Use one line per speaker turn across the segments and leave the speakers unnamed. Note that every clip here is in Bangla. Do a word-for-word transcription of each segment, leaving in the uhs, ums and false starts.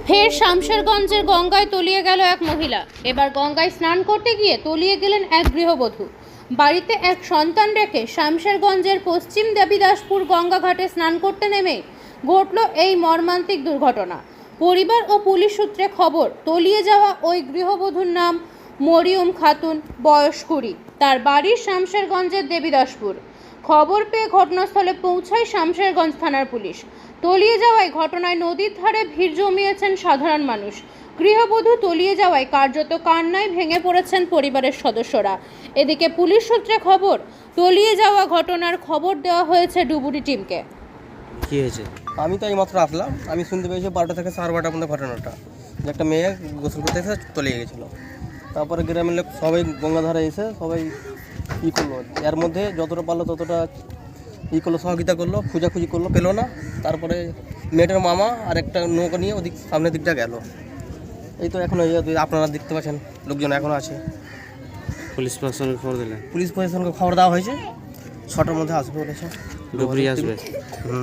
ফের শামশেরগঞ্জের গঙ্গায় তলিয়ে গেল এক মহিলা। এবার গঙ্গায় স্নান করতে গিয়ে তলিয়ে গেলেন এক গৃহবধূ। বাড়িতে এক সন্তান রেখে শামশেরগঞ্জের পশ্চিম দেবীদাসপুর গঙ্গা ঘাটে স্নান করতে নেমে ঘটল এই মর্মান্তিক দুর্ঘটনা। পরিবার ও পুলিশ সূত্রে খবর, তলিয়ে যাওয়া ওই গৃহবধূর নাম মরিয়ম খাতুন, বয়স কুড়ি। তার বাড়ি শামশেরগঞ্জের দেবীদাসপুর। খবর পেয়ে ঘটনাস্থলে পৌঁছায় শামশেরগঞ্জ থানার পুলিশ। তলিয়ে যাওয়ায় ঘটনায় নদীর ধারে ভিড় জমিয়েছেন সাধারণ মানুষ। গৃহবধূ তলিয়ে যাওয়ায় কার্যত কান্নায় ভেঙে পড়েছেন পরিবারের সদস্যরা। এদিকে পুলিশ সূত্রে খবর, তলিয়ে যাওয়া ঘটনার খবর দেওয়া হয়েছে ডুবুরি টিমকে।
কি হয়েছে?
আমি তো এইমাত্র আসলাম, আমি শুনতে পেয়েছি বারোটা থেকে সাড়ে বারোটার মধ্যে ঘটনাটা, যে একটা মেয়ে গোসল করতে এসে তলিয়ে গেছিলো। তারপরে গ্রামের লোক সবাই গঙ্গাধারে এসে সবাই ই করলো, এর মধ্যে যতটা পারলো ততটা ই করলো, সহযোগিতা করলো, খোঁজাখুঁজি করলো, পেলো না। তারপরে মেয়েটার মামা আর একটা নৌকা নিয়ে ওদিক সামনের দিকটা গেল। এই তো এখন আপনারা দেখতে পাচ্ছেন লোকজন এখনও আছে।
পুলিশ প্রশাসনকে খবর দিলেন?
পুলিশ প্রশাসনকে খবর দেওয়া হয়েছে, ছটার মধ্যে আসবে বলেছে।
ডুবুরি আসবে?
হুম।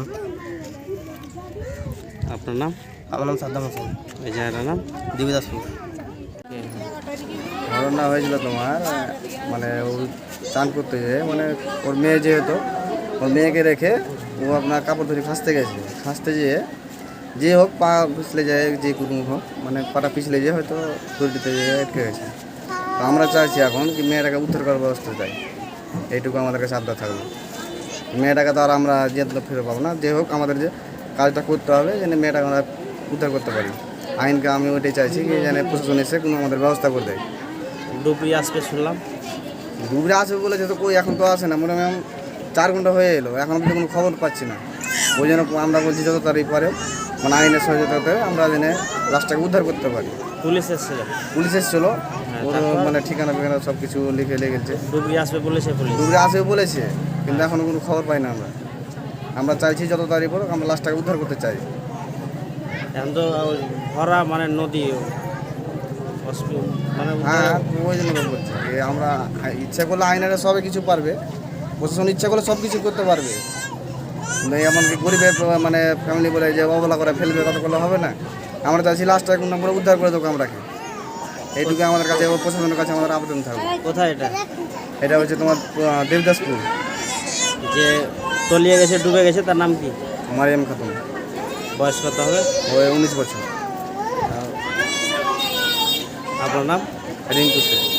আপনার নাম?
আমার নাম সাদ্দাম হোসেন।
এই জায়গাটার নাম?
দেবীদাসপুর।
ঘটনা হয়েছিল তোমার, মানে ও চান করতে যেয়ে, মানে ওর মেয়ে যেহেতু, ওর মেয়েকে রেখে ও আপনার কাপড় ধরে খাঁচতে গেছে। খাঁচতে যেয়ে যে হোক পা পিছলে যায়, যে কোনো হোক, মানে পাটা পিছলে যেয়ে হয়তো দড়িতে যেয়ে আটকে গেছে। তো আমরা চাইছি এখন কি মেয়েটাকে উদ্ধার করার ব্যবস্থা চাই, এইটুকু আমাদের কাছে আবদার থাকবে। মেয়েটাকে তো আর আমরা যেতে ফিরে পাবো না, যে হোক আমাদের যে কাজটা করতে হবে, যেন মেয়েটাকে আমরা উদ্ধার করতে পারি। আইনকে আমি ওইটাই চাইছি কি যেন প্রশাসন এসে কোনো আমাদের ব্যবস্থা করে দেয়।
ডুবুরি আসবে শুনলাম।
ডুবরে আসবে বলেছে তো, কই এখন তো আসে না, মোটামুটি চার ঘন্টা হয়ে এলো, এখন অব্দি কোনো খবর পাচ্ছি না। ওই জন্য আমরা বলছি যত তাড়াতাড়ি পারে, মানে আইনের সহযোগিতাতে আমরা জেনে লাশটাকে উদ্ধার করতে পারি।
পুলিশ এসেছিল?
পুলিশ এসেছিলো, ওর
তারপর?
মানে ঠিকানা ফিকানা সব কিছু লিখে লেগেছে।
ডুবুরি আসবে বলেছে পুলিশ?
ডুবরে আসবে বলেছে, কিন্তু এখনও কোনো খবর পাই না আমরা। আমরা চাইছি যত তাড়াতাড়ি পড়ুক, আমরা লাশটাকে উদ্ধার করতে চাই।
এখন তো ভরা মানে নদী, অসুবিধা মানে
হ্যাঁ, ওই জন্য তো বলছি যে আমরা ইচ্ছা করলে আইনারা সবে কিছু পারবে, প্রশাসন ইচ্ছা করলে সব কিছু করতে পারবে, কিন্তু এমনকি গরিবের প্র- মানে ফ্যামিলি বলে যে অবহেলা করে ফেলবে, কত করলে হবে না। আমরা চাইছি লাস্টটা কোনো আমরা উদ্ধার করে দেবো আমরাকে, এইটুকু আমাদের কাছে এবং প্রশাসনের কাছে আমাদের আবেদন থাকবে।
কোথায় এটা?
এটা হচ্ছে তোমার আহ, দেবদাসপুর।
যে তলিয়ে গেছে, ডুবে গেছে, তার নাম কি?
মারিয়াম খাতুন,
বয়স কত হবে?
ওই উনিশ বছর।
আপনার নাম?
রিঙ্কু শেখ।